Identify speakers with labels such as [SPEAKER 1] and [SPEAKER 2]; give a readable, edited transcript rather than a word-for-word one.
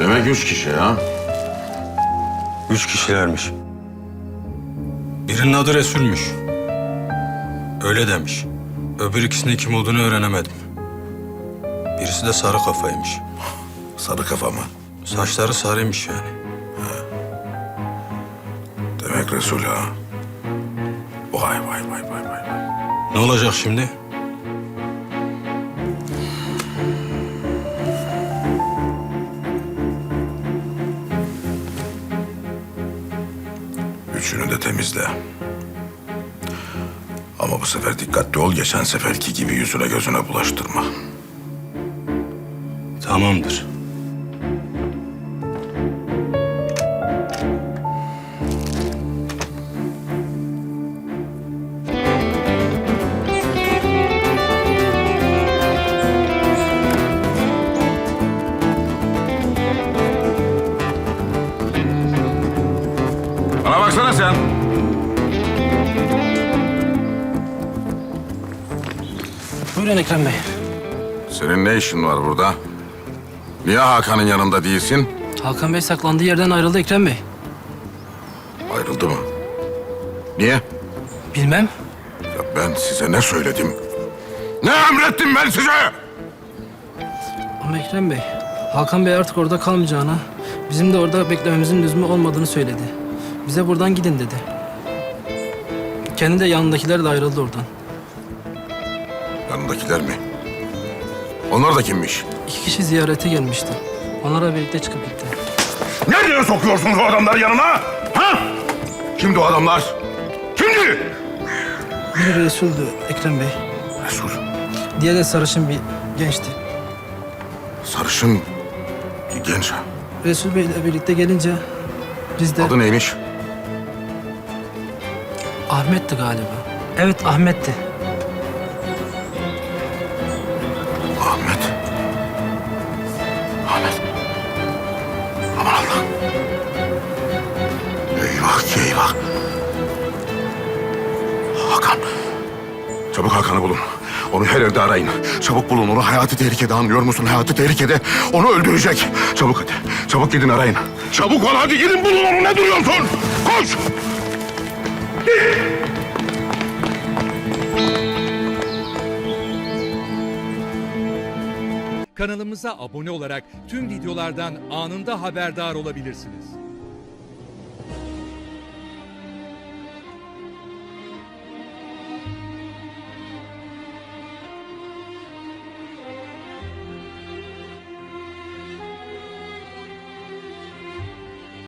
[SPEAKER 1] Demek 3 kişi ha?
[SPEAKER 2] 3 kişilermiş. Birinin adı Resul'müş. Öyle demiş. Öbür ikisinin kim olduğunu öğrenemedim. Birisi de sarı kafaymış.
[SPEAKER 3] Sarı kafa mı?
[SPEAKER 2] Saçları sarıymış yani.
[SPEAKER 3] Demek Resul ha. Vay vay vay vay vay.
[SPEAKER 2] Ne olacak şimdi?
[SPEAKER 3] Üçünü de temizle. Ama bu sefer dikkatli ol. Geçen seferki gibi yüzüne gözüne bulaştırma.
[SPEAKER 2] Tamamdır.
[SPEAKER 1] Bana baksana sen.
[SPEAKER 4] Buyurun Ekrem Bey.
[SPEAKER 1] Senin ne işin var burada? Niye Hakan'ın yanında değilsin?
[SPEAKER 4] Hakan Bey saklandığı yerden ayrıldı Ekrem Bey.
[SPEAKER 1] Ayrıldı mı? Niye?
[SPEAKER 4] Bilmem.
[SPEAKER 1] Ya ben size ne söyledim? Ne emrettim ben size?
[SPEAKER 4] Ama Ekrem Bey, Hakan Bey artık orada kalmayacağına, bizim de orada beklememizin lüzumu olmadığını söyledi. Bize buradan gidin dedi. Kendi de yanındakiler de ayrıldı oradan.
[SPEAKER 1] Yanındakiler mi? Onlar da kimmiş?
[SPEAKER 4] 2 kişi ziyarete gelmişti. Onlara birlikte çıkıp gitti.
[SPEAKER 1] Nereye sokuyorsunuz o adamları yanına? Ha? Kimdi o adamlar? Kimdi?
[SPEAKER 4] Biri Resul'dü Ekrem Bey.
[SPEAKER 1] Resul.
[SPEAKER 4] Diğeri de sarışın bir gençti.
[SPEAKER 1] Sarışın bir genç.
[SPEAKER 4] Resul Bey ile birlikte gelince biz de...
[SPEAKER 1] Adı neymiş?
[SPEAKER 4] Ahmet'ti galiba. Evet, Ahmet'ti.
[SPEAKER 1] Ahmet. Ahmet. Aman Allah'ım. Eyvah ki eyvah. Hakan. Çabuk Hakan'ı bulun. Onu her yerde arayın. Çabuk bulun onu. Hayati tehlikede, anlıyor musun? Hayati tehlikede. Onu öldürecek. Çabuk hadi. Çabuk gidin arayın. Çabuk ol hadi gidin bulun onu. Ne duruyorsun? Koş.
[SPEAKER 5] Kanalımıza abone olarak tüm videolardan anında haberdar olabilirsiniz.